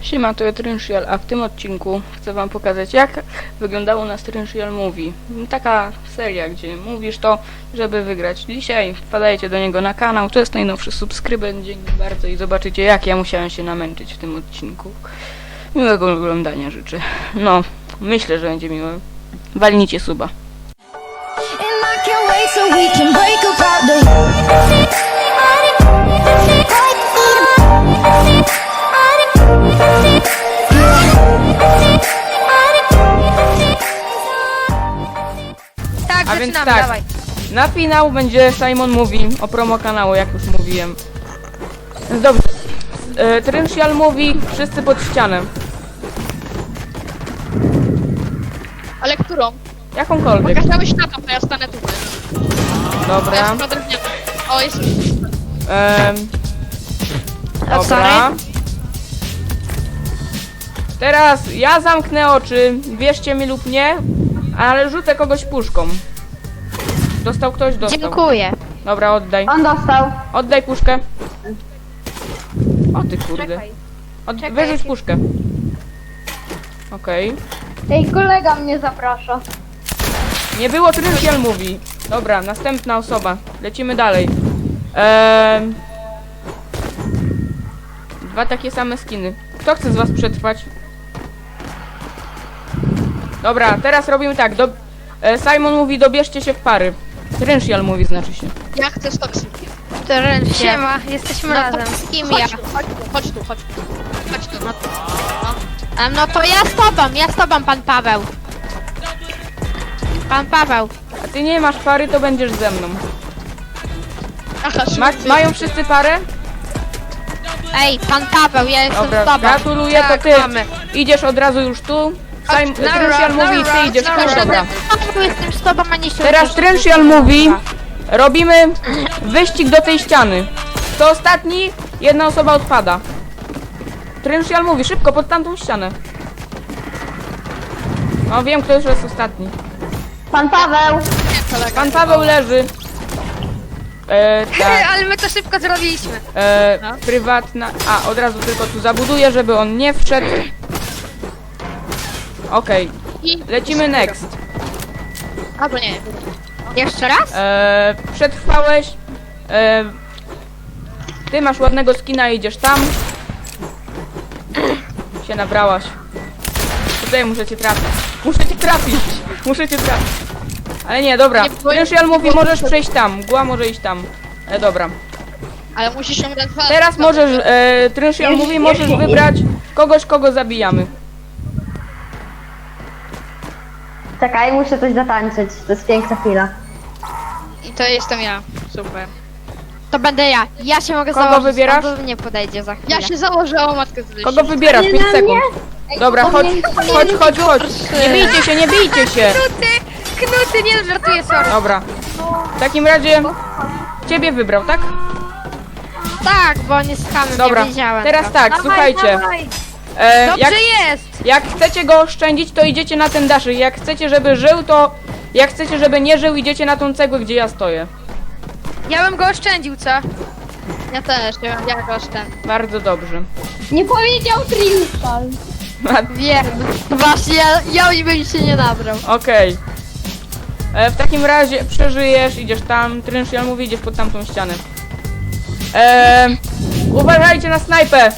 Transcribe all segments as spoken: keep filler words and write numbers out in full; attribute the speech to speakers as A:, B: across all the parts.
A: Siema, to jest Trynshial, a w tym odcinku chcę wam pokazać, jak wyglądało na Trynshial Movie. Taka seria, gdzie mówisz to, żeby wygrać. Dzisiaj wpadajcie do niego na kanał, to jest najnowszy subskrybent, dzięki bardzo i zobaczycie, jak ja musiałem się namęczyć w tym odcinku. Miłego oglądania życzę. No, myślę, że będzie miłe. Walnijcie suba.
B: Tak,
A: A więc
B: zaczynamy,
A: tak,
B: dawaj.
A: na finał będzie Simon Mówi o promo kanału, jak już mówiłem. Więc dobrze. E, Trynshial Mówi, wszyscy pod ścianę.
B: Ale którą?
A: Jakąkolwiek.
B: Pokazałeś na to, to ja stanę tutaj.
A: Dobra.
B: Ja drewniana. O, jest...
A: Ehm, dobra.
B: sorry.
A: Teraz ja zamknę oczy, wierzcie mi lub nie, ale rzucę kogoś puszką. Dostał ktoś? Dostał.
B: Dziękuję.
A: Dobra, oddaj.
C: On dostał.
A: Oddaj puszkę. O ty kurde.
B: Czekaj.
A: Od...
B: Czekaj,
A: Wyrzuć
B: jaki-
A: puszkę. Okej.
C: Ej, kolega mnie zaprasza.
A: Nie było Trynshial Mówi. Dobra, następna osoba. Lecimy dalej. Ehm... Dwa takie same skiny. Kto chce z was przetrwać? Dobra, teraz robimy tak. Do... E, Simon mówi, dobierzcie się w pary. Trynshial Mówi, znaczy się.
B: Ja chcę z toksykiem.
D: Siema, jesteśmy razem.
B: Z kim ja? Chodź tu, chodź tu, chodź tu. Chodź tu, no to. No. no to ja z tobą, ja z tobą, pan Paweł. Pan Paweł.
A: A ty nie masz pary, to będziesz ze mną.
B: Aha,
A: Ma mają wszyscy parę?
B: Ej, pan Paweł, ja jestem
A: Dobra,
B: z tobą.
A: gratuluję, to
B: Tak,
A: ty
B: mamy.
A: idziesz od razu już tu. Sim
B: Dobra,
A: Trynshial Mówi i ty
B: dobra,
A: idziesz tu,
B: dobra.
A: dobra.
B: Paweł, jestem z tobą, a nie się
A: Teraz
B: uczysz.
A: Trynshial Mówi, robimy wyścig do tej ściany. Kto ostatni, jedna osoba odpada. Trynshial Mówi, szybko, pod tamtą ścianę. No wiem, kto już jest ostatni.
C: Pan Paweł.
A: Pan Paweł leży. E, tak,
D: Ale my to szybko zrobiliśmy.
A: e,
B: No.
A: prywatna... A, od razu tylko tu zabuduję, żeby on nie wszedł. Okej,
B: I...
A: lecimy next.
B: Albo nie.
D: Jeszcze raz?
A: E, przetrwałeś. E, ty masz ładnego skina i idziesz tam. Się nabrałaś. Tutaj muszę cię trafić. Muszę cię trafić. Muszę cię trafić. Ale nie, dobra.
B: Nie, bo-
A: Trynshial mówi, możesz przejść tam. Mgła może iść tam. E, dobra.
B: Ale musisz ją dać dwa.
A: Teraz możesz, e, Trynshial mówi, możesz wybrać kogoś, kogo zabijamy.
C: Czekaj, muszę coś zatańczyć. To jest piękna chwila.
B: I to jestem ja. Super.
D: To będę ja. Ja się mogę
A: Kogo
D: założyć,
A: wybierasz?
D: on do mnie podejdzie za chwilę.
B: Ja się założę o matkę z
A: Kogo wybierasz? pięć sekund. Dobra, chodź, chodź, chodź, chodź. Nie bijcie się, nie bijcie się.
D: Knuty! Knuty, nie żartuję, sorry.
A: Dobra. W takim razie ciebie wybrał, tak?
D: Tak, bo nie skamy,
A: Dobra,
D: nie wiedziałem.
A: teraz
D: to.
A: tak,
D: Dawaj,
A: słuchajcie.
D: dawaj.
A: E,
D: Dobrze
A: jak,
D: jest!
A: jak chcecie go oszczędzić, to idziecie na ten daszyk. Jak chcecie, żeby żył, to... Jak chcecie, żeby nie żył, idziecie na tą cegłę, gdzie ja stoję.
D: Ja bym go oszczędził, co?
B: Ja też, ja, ja kosztem.
A: Bardzo dobrze.
C: Nie powiedział Trynshial.
D: Wiem. Właśnie, ja, ja bym się nie nabrał.
A: Okej. E, W takim razie przeżyjesz, idziesz tam. Trynshial mówi, idziesz pod tamtą ścianę. E, uważajcie na snajpę!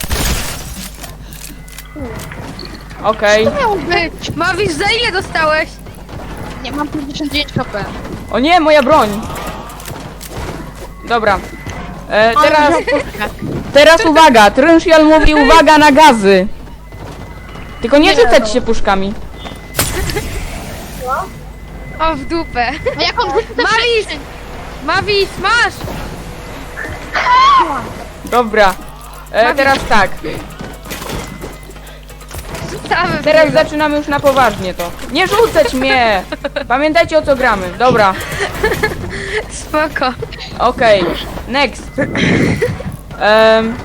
A: Okej.
B: Miał być.
D: Mawisz, za ile dostałeś?
B: Nie, mam pięćdziesiąt dziewięć HP.
A: O nie, moja broń! Dobra. E, teraz... Teraz uwaga! Trynshial mówi, uwaga na gazy! Tylko nie rzucać się puszkami.
D: O, w dupę.
B: A jak on rzuci te
D: Mawis! Mawis, masz!
A: Dobra. E, teraz tak.
D: Rzucamy.
A: Teraz zaczynamy już na poważnie to. Nie rzucać mnie! Pamiętajcie, o co gramy. Dobra.
D: Spoko.
A: Okej. Next. Um,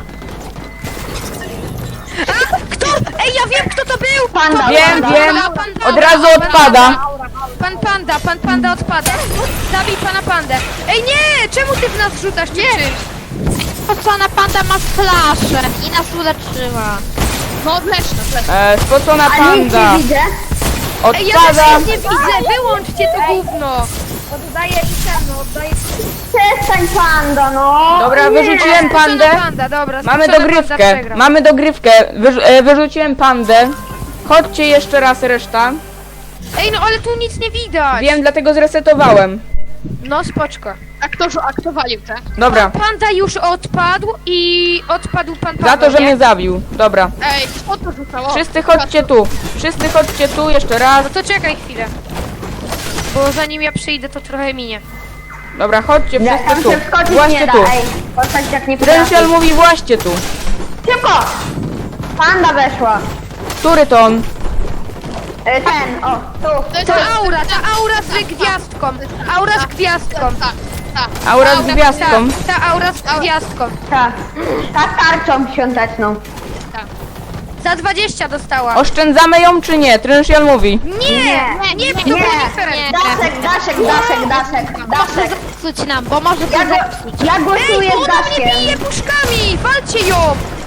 D: Kto? Ej, ja wiem, kto to był!
C: Panda.
A: wiem,
C: panda.
A: wiem.
D: Panda,
A: Od razu odpada.
D: Pan Panda, pan Panda odpada. Zabij pana Pandę. Ej, nie! Czemu ty w nas rzucasz? Nie!
B: Pana panda ma flaszę i nas uleczyła. No odleczna, odleczna.
A: E, spocona
C: A nic
A: panda.
C: nie widzę.
D: Ej, ja też
A: Odpada.
D: nic nie widzę, wyłączcie to gówno. Oddaję i no, oddaję...
C: Przestań panda, no.
A: Dobra,
C: Nie.
A: wyrzuciłem pandę.
D: Spocona panda, dobra,
A: Mamy
D: spocona panda
A: dogrywkę.
D: przegra.
A: Mamy dogrywkę. Wyrzu e, wyrzuciłem pandę. Chodźcie jeszcze raz reszta.
D: Ej, no ale tu nic nie widać.
A: Wiem, dlatego zresetowałem.
D: No spoczko.
B: A kto, a kto walił te?
A: Dobra.
D: Panda już odpadł i odpadł pan Paweł,
A: Za to, że
D: nie?
A: mnie zabił. Dobra.
B: Ej, kto to rzucało?
A: Wszyscy chodźcie tu. Wszyscy chodźcie tu jeszcze raz.
D: No to czekaj chwilę. Bo zanim ja przyjdę, to trochę minie.
A: Dobra, chodźcie
C: Ja tam
A: wszyscy tu.
C: się wskoczyć nie
A: Właśnie
C: da,
A: tu.
C: ej. Postać jak nie potrafi.
A: Trensial mówi właśnie tu.
C: Szybko! Panda weszła.
A: Który to on?
C: E, Ten, o, tu.
B: To jest
D: To aura, ta aura z gwiazdką. Aura z gwiazdką.
B: Tak, tak.
A: Aura z gwiazdką.
D: Ta, ta aura z gwiazdką.
C: Ta. Ta tarczą świąteczną.
D: Za dwadzieścia dostała.
A: Oszczędzamy ją czy nie? Trensial mówi.
D: Nie,
C: Nie,
D: nie, to
C: nie.
D: było nie fair.
C: Daszek, Daszek, Daszek, Daszek, Daszek.
B: Zepsuć nam, bo może to
C: Ja, go,
B: zepsuć.
C: ja
D: Ej,
C: głosuję
D: bo
C: z
D: ona mnie bije
C: Daszkiem.
D: puszkami! Walcie ją!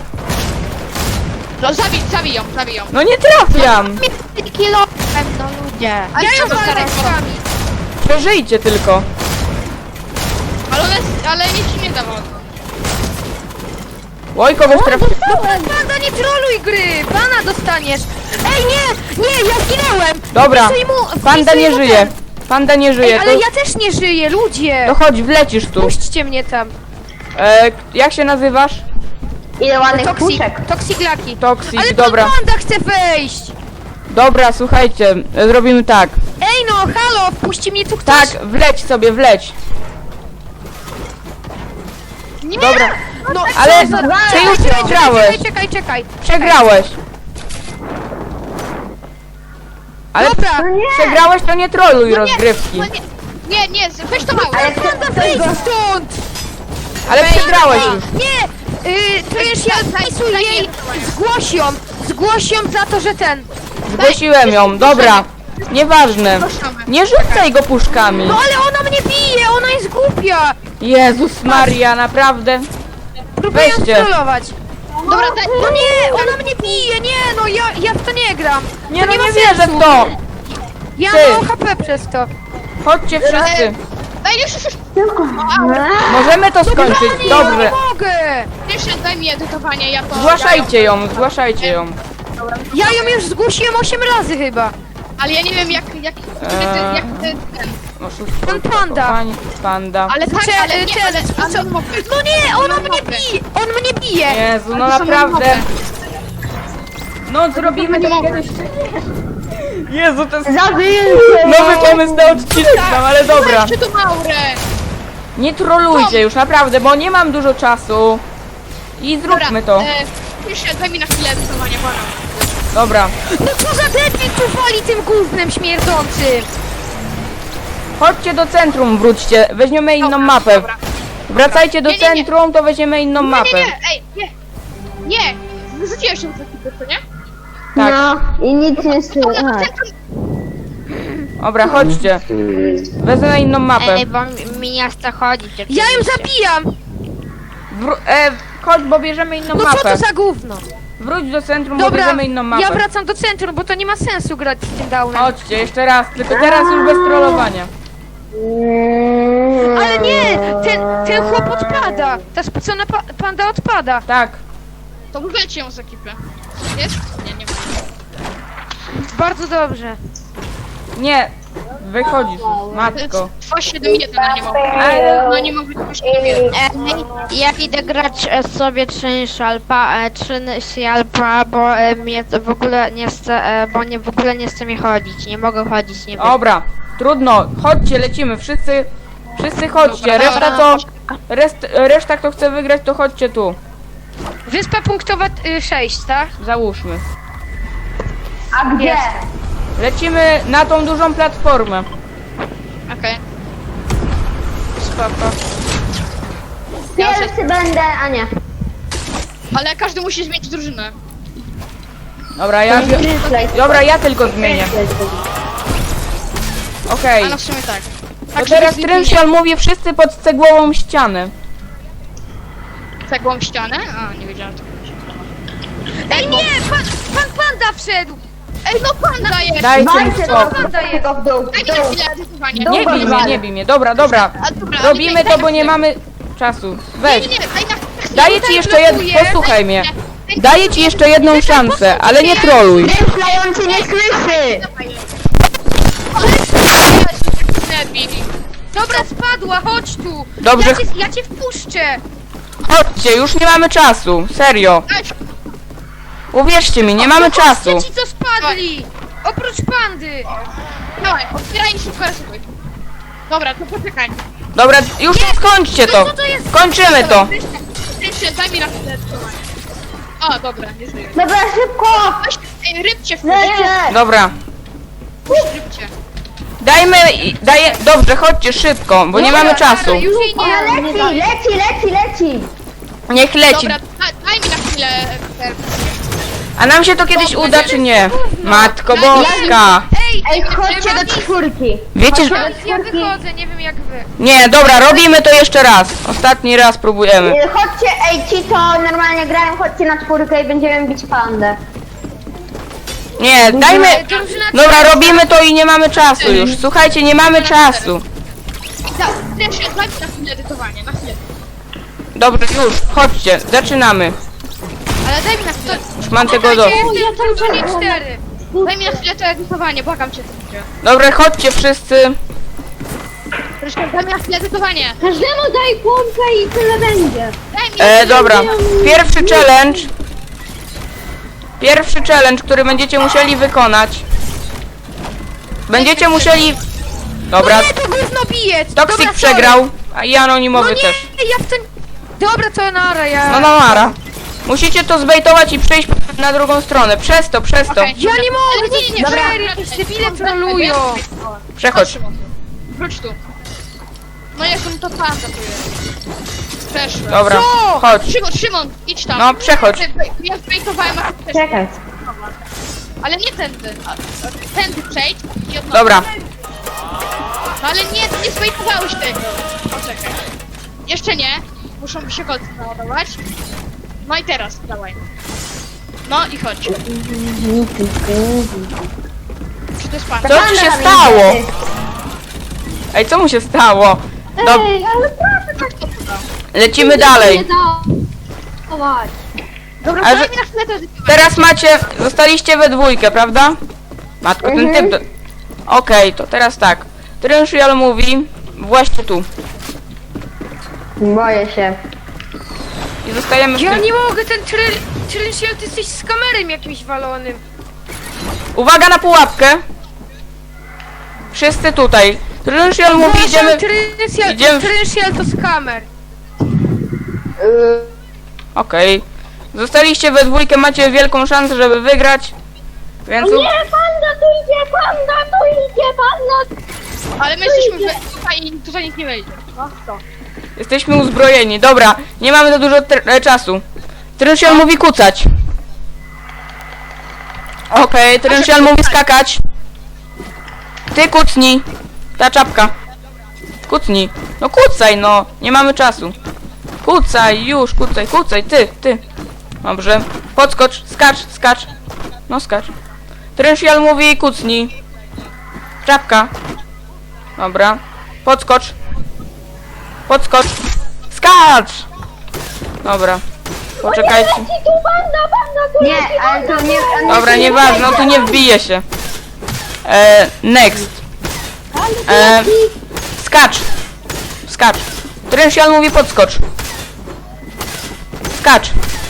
B: No zabij, zabij ją, zabij ją.
A: No nie trafiam.
B: Kilofem, no ludzie. Ale
D: Ja ją
B: co to
D: walę
B: teraz?
D: puszkami!
A: Przeżyjcie tylko.
B: Ale ona jest, ale nic ci nie dawało.
A: Oj, kogoś trafi...
D: No panda, nie troluj gry! Pana dostaniesz! Ej, nie! Nie, ja zginęłem!
A: Dobra.
D: Wpisuj mu-
A: Panda
D: wpisuj
A: nie
D: mu
A: żyje.
D: ten.
A: Panda nie
D: Ej,
A: żyje.
D: ale
A: To,
D: ja też nie żyję, ludzie!
A: to chodź, wlecisz tu.
D: Puśćcie mnie tam.
A: E, jak się nazywasz?
C: Ile ładnych
D: Toksik,
C: puszek.
D: toksiklaki.
A: Toksik,
D: Ale
A: dobra.
D: pan panda chce wejść!
A: Dobra, słuchajcie, e, zrobimy tak.
D: Ej no, halo, wpuści mnie tu ktoś!
A: Tak, wleć sobie, wleć.
B: Nie!
A: Dobra,
D: No,
A: ale
D: co za-
A: ty
D: Czekaj,
A: już
D: czekaj,
A: przegrałeś.
D: Czekaj, czekaj, czekaj.
A: Przegrałeś. Ale
D: Dobra,
C: No nie.
A: przegrałeś, to nie troluj
B: No nie,
A: rozgrywki.
B: no nie, nie, nie, weź to małe.
C: Ale kto,
D: panda,
C: kto
D: wyjdź
C: go...
D: stąd!
A: Ale przegrałeś
D: Ej,
A: już.
D: Nie! Yy, to już ja wpisuj jej, zgłoś ją, zgłoś ją za to, że ten...
A: Zgłosiłem ją, dobra. Nieważne.
B: Proszamy.
A: Nie rzucaj go puszkami.
D: No ale ona mnie bije, ona jest głupia!
A: Jezus Maria, naprawdę.
D: Próbuję ją
A: Weźcie.
D: strollować.
B: Dobra, daj,
D: No nie, ona mnie bije, nie, no ja, ja w to nie gram.
A: Nie
D: To
A: no,
D: ma
A: nie wierzę
D: sensu.
A: w to.
D: Ja
A: Ty.
D: mam H P przez to.
A: Chodźcie wszyscy.
B: daj, już, już, już.
A: Możemy to skończyć,
D: Nie, nie
A: dobrze.
D: mogę!
B: Jeszcze daj mi edytowanie, ja to...
A: Zgłaszajcie ją, zgłaszajcie ją.
D: Ja ją już zgłosiłem osiem razy chyba.
B: Ale ja nie wiem jak, jak,
A: Eee.
B: jak ty, ten.
A: Oszustwo,
D: Pan panda.
A: Pani panda.
B: Ale tak,
D: Cze-
B: ale nie,
D: cze-
B: ale,
D: co-
B: ale mogę.
D: No nie, ona mnie bije, on mnie bije.
A: Jezu, no
B: Ale to są
A: naprawdę.
B: nowe.
A: No zrobimy
B: nie
A: to
B: mogę.
A: kiedyś. Jezu, to jest
C: Zabijcie!
A: nowy pomysł na odcinek mam, ale dobra.
B: Weźcie tu Maurę.
A: Nie trolujcie już, naprawdę, bo nie mam dużo czasu. I zróbmy to.
B: E, jeszcze daj mi na chwilę edytowania, pana.
A: Dobra.
D: No co za debil tu wali tym gównem śmierdzącym.
A: Chodźcie do centrum, wróćcie. Weźmiemy inną
B: Dobra,
A: mapę.
B: dobra.
A: Wracajcie do
B: Nie, nie, nie.
A: centrum, to weźmiemy inną
B: Nie,
A: mapę.
B: nie, nie, ej, nie. Nie, wyrzuciłem się z ekipy, co nie?
A: Tak.
C: No i nic nie słychać.
A: Dobra, chodźcie. Wezmę inną mapę.
B: Ej, bo mi, mi nie chce chodzić.
D: Ja ją zabijam.
A: Wró- e, chodź, bo bierzemy inną
D: No co
A: mapę.
D: to za gówno?
A: Wróć do centrum, bo
D: Dobra,
A: bierzemy inną mapę.
D: ja wracam do centrum, bo to nie ma sensu grać z tym downem.
A: Chodźcie, jeszcze raz, tylko teraz już bez trollowania.
D: Ale nie, ten, ten chłop odpada. Ta spocona pa panda odpada.
A: Tak.
B: To wylecie ją z ekipy. Jest? Nie, nie ma.
D: Bardzo dobrze.
A: Nie, wychodzisz już, matko.
B: Trwa siedem minut, ale nie mogę.
A: Ale-
B: No nie mogę już nie wiem.
E: Ja idę grać e, sobie trzy szalpa, e, trzy szalpa, bo e, mnie to w ogóle nie chce, e, bo nie w ogóle nie chce mi chodzić, nie mogę chodzić, nie wiem.
A: Dobra, trudno, chodźcie, lecimy, wszyscy, wszyscy chodźcie,
B: Dobra,
A: reszta to, rest, reszta kto chce wygrać, to chodźcie tu,
D: Wyspa punktowa y, sześć, tak?
A: załóżmy.
C: A gdzie?
D: Jest.
A: Lecimy na tą dużą platformę.
B: Okej.
D: Spoko.
C: Pierwszy będę, a nie.
B: Ale każdy musi zmienić drużynę.
A: Dobra, ja, dobra, ja tylko zmienię. Okej,
B: A no w sumie tak.
A: to
B: Tak,
A: teraz
B: żeby
A: Trensial mówi wszyscy pod cegłową ścianę.
B: cegłą ścianę? A, nie wiedziałem tego.
D: Ej, nie! Pan, pan panda wszedł!
B: Ej, no panda jest!
A: Dajcie mi
C: Walcie
A: spokój.
C: go w dół,
B: Daj
C: w
B: mi na
C: dół.
B: chwilę edytowania.
C: Dół.
A: Nie bij mnie, nie bij mnie. Dobra, dobra.
B: A, dobra,
A: Robimy
B: daj-
A: to,
B: daj
A: bo
B: na
A: nie
B: chwilę.
A: mamy czasu.
B: Nie,
A: Weź.
B: nie, nie, daj na chwilę.
A: Daję ci jeszcze jedną, posłuchaj mnie. Daję ci jeszcze jedną szansę, ale nie troluj.
C: Myślający nie słyszy!
D: Dobra, spadła, chodź tu!
A: Dobrze.
D: Ja cię, ja cię wpuszczę!
A: Chodźcie, już nie mamy czasu. Serio. Uwierzcie mi, nie mamy czasu.
D: Chodźcie ci, co spadli! Oprócz pandy!
B: Dawaj, otwieraj i szybko rysuj. Dobra, to poczekaj.
A: Dobra, już skończcie to.
D: Co to jest?
A: Kończymy to.
B: Jeszcze, daj mi na chwilę edytowania. O, dobra, nie żyję.
C: Dobra, szybko!
B: Weź, ej, rybcie w
C: Nie, nie, nie!
A: Dobra.
B: rybcie.
A: Dajmy, i- daję, dobrze, chodźcie szybko, bo nie mamy czasu.
D: Już jej nie!
C: Ona leci, leci, leci, leci!
A: Niech leci.
B: Dobra, da, daj mi na chwilę e,
A: A nam się to kiedyś uda, czy nie? Matko Boska.
D: Ej,
C: Ej, chodźcie do czwórki!
A: Wiecie, że...
D: ja, ja wychodzę, nie wiem jak wy.
A: Nie, dobra, robimy to jeszcze raz. Ostatni raz próbujemy.
C: Y, Chodźcie, ej, ci co normalnie grają, chodźcie na czwórkę i będziemy bić pandę.
A: Nie, dajmy...
D: Drużyna
A: Dobra, robimy to i nie mamy czasu już. Słuchajcie, nie mamy czasu.
B: Da, jeszcze, daj mi na chwilę edytowania, na chwilę.
A: Dobrze, już, chodźcie, zaczynamy.
B: Ale daj mi na chwilę.
A: Już mam tego do...
D: drużynie cztery.
B: Daj mi na chwilę to edytowanie, błagam cię, to będzie.
A: Dobra, chodźcie wszyscy.
B: Proszę, daj mi na chwilę edytowanie.
C: Każdemu daj kłąbkę i tyle będzie.
B: Daj mi
A: E, dobra, pierwszy challenge. Pierwszy challenge, który będziecie musieli wykonać. Będziecie musieli... Dobra,
D: Nie, to gówno bije!
A: Toxic
D: Dobra,
A: przegrał, a i anonimowy
D: sorry. No
A: też.
D: nie, ja w ten... Dobra, to nara, ja...
A: No no Mara. Musicie to zbejtować i przejść na drugą stronę. Przez to, przez to.
B: Okej.
D: Ja nie mogę,
B: Ale nie, nie, nie,
D: dobra,
B: dobra,
D: jakieś
B: dobra,
D: debile
B: dobra,
D: trolują.
B: dobra.
A: Przechodź.
B: Wróć tu. No jak on to panda tu jest. Przeszłem.
A: Dobra,
D: Co?
A: chodź.
B: Szymon, Szymon, idź tam.
A: No, przechodź.
B: Ja zbejtowałem, a ty też.
C: Czekaj.
B: Ale nie tędy. a- a Tędy przejdź i od nowa.
A: Dobra,
B: No ale nie, nie zbejtowałeś tego. Poczekaj. Jeszcze nie. Muszą się kolce naładować. No i teraz, dawaj. No i chodź. Czy to jest pan?
A: co ci się stało? Ej, co mu się stało? Dob
C: Ej, ale proszę, tak
A: lecimy dalej.
C: nie dawać.
B: Dobra,
A: A
B: daj
A: że-
B: mi na chwilę to edytować.
A: Teraz macie, zostaliście we dwójkę, prawda? Matko, ten typ... Do... Okej, to teraz tak. Trynshial mówi właśnie tu.
C: Boję się.
A: I zostajemy w
D: Ja
A: tym...
D: nie mogę, ten tryl... Tryl, ty jesteś z kamerem jakimś walonym.
A: Uwaga na pułapkę. Wszyscy tutaj. Trynshial mówi, idziemy...
D: Trynshial,
A: idziemy w-
D: Trynshial to z kamer.
A: Okej. Zostaliście we dwójkę, macie wielką szansę, żeby wygrać. Więc... u-
C: panda tu idzie, panda tu idzie, panda!
B: Ale my jesteśmy we- tutaj i tutaj nikt nie wejdzie. No to.
A: Jesteśmy uzbrojeni. Dobra, nie mamy za dużo tr- e, czasu. Trynshial mówi kucać. Okej, Trynshial mówi skakać. Ty kucnij. Ta czapka. Kucnij. No kucaj, no. Nie mamy czasu. Kucaj, już, kucaj, kucaj. Ty, ty. Dobrze. Podskocz, skacz, skacz. No skacz. Trynshial mówi kucnij. Czapka. Dobra. Podskocz. Podskocz. Skacz! Dobra. Poczekajcie.
C: Nie, ale to nie... on
A: Dobra,
C: się nie
A: nieważne, no tu nie wbije się. E, next. E, skacz. Skacz. Trynshial mówi podskocz. Skacz.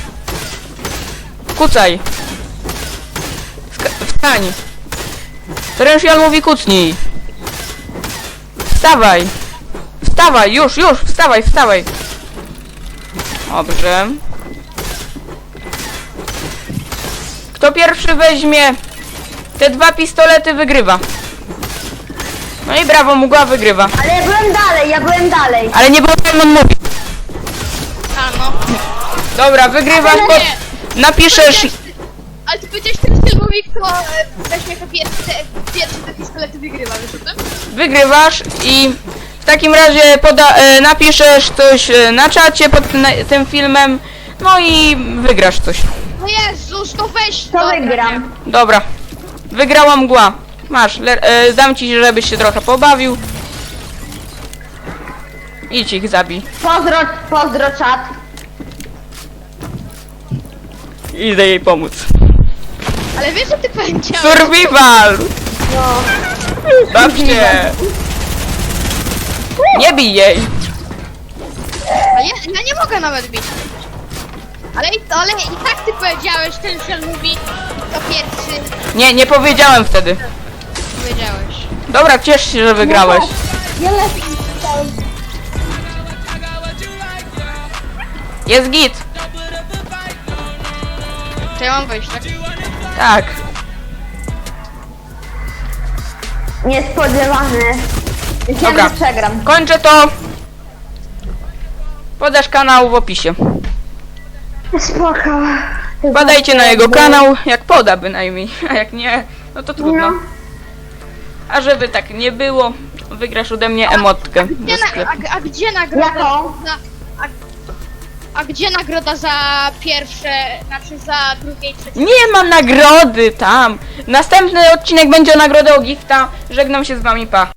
A: Kucaj. Ska wstań. Trynshial mówi kucnij. Wstawaj. Wstawaj, już, już, wstawaj, wstawaj. Dobrze. Kto pierwszy weźmie te dwa pistolety, wygrywa. No i brawo, mgła wygrywa.
C: Ale ja byłem dalej, ja byłem dalej.
A: Ale nie było jak on mówi.
B: A no.
A: Dobra, wygrywasz,
B: Ale
A: bo
B: nie.
A: napiszesz...
B: Ale ty powiedziałeś ten filmowi, kto e, weźmie jako pierwszy te, pierwszy te pistolety wygrywa, wiesz o tym?
A: Wygrywasz i w takim razie poda, e, napiszesz coś e, na czacie pod na, tym filmem. No i wygrasz coś.
B: No Jezus, to weź
C: To
B: dobra,
C: wygram.
A: Dobra. Wygrała mgła. Masz, le- e, dam ci, żebyś się trochę pobawił. Idź ich zabij.
C: Pozdro, pozdro czat.
A: Idę jej pomóc.
B: nie. Ale wiesz, że ty powiedziałeś?
A: Survival!
C: No.
A: Bawcie! Nie bij jej!
B: A ja, ja nie mogę nawet bić. Ale, i- ale i tak ty powiedziałeś, ten Shell mówi to pierwszy.
A: Nie, nie powiedziałem wtedy.
B: Powiedziałeś.
A: Dobra, ciesz się, że wygrałeś.
C: Ja lepiej.
A: Jest git.
B: To ja mam wejść, tak?
A: Tak.
C: Niespodziewany. Myślałem,
A: Dobra.
C: że przegram.
A: Kończę to. Podasz kanał w opisie.
C: Spoko.
A: Badajcie na jego kanał, jak poda bynajmniej. A jak nie, no to trudno.
C: No.
A: A żeby tak nie było, wygrasz ode mnie emotkę
B: Gdzie
A: ze
B: na,
A: sklepu.
B: a, a gdzie nagroda
C: Jaką?
B: za... A, a gdzie nagroda za pierwsze, znaczy za drugie i trzecie?
A: Nie ma nagrody tam. Następny odcinek będzie o nagrodę o gifta. Żegnam się z wami, pa.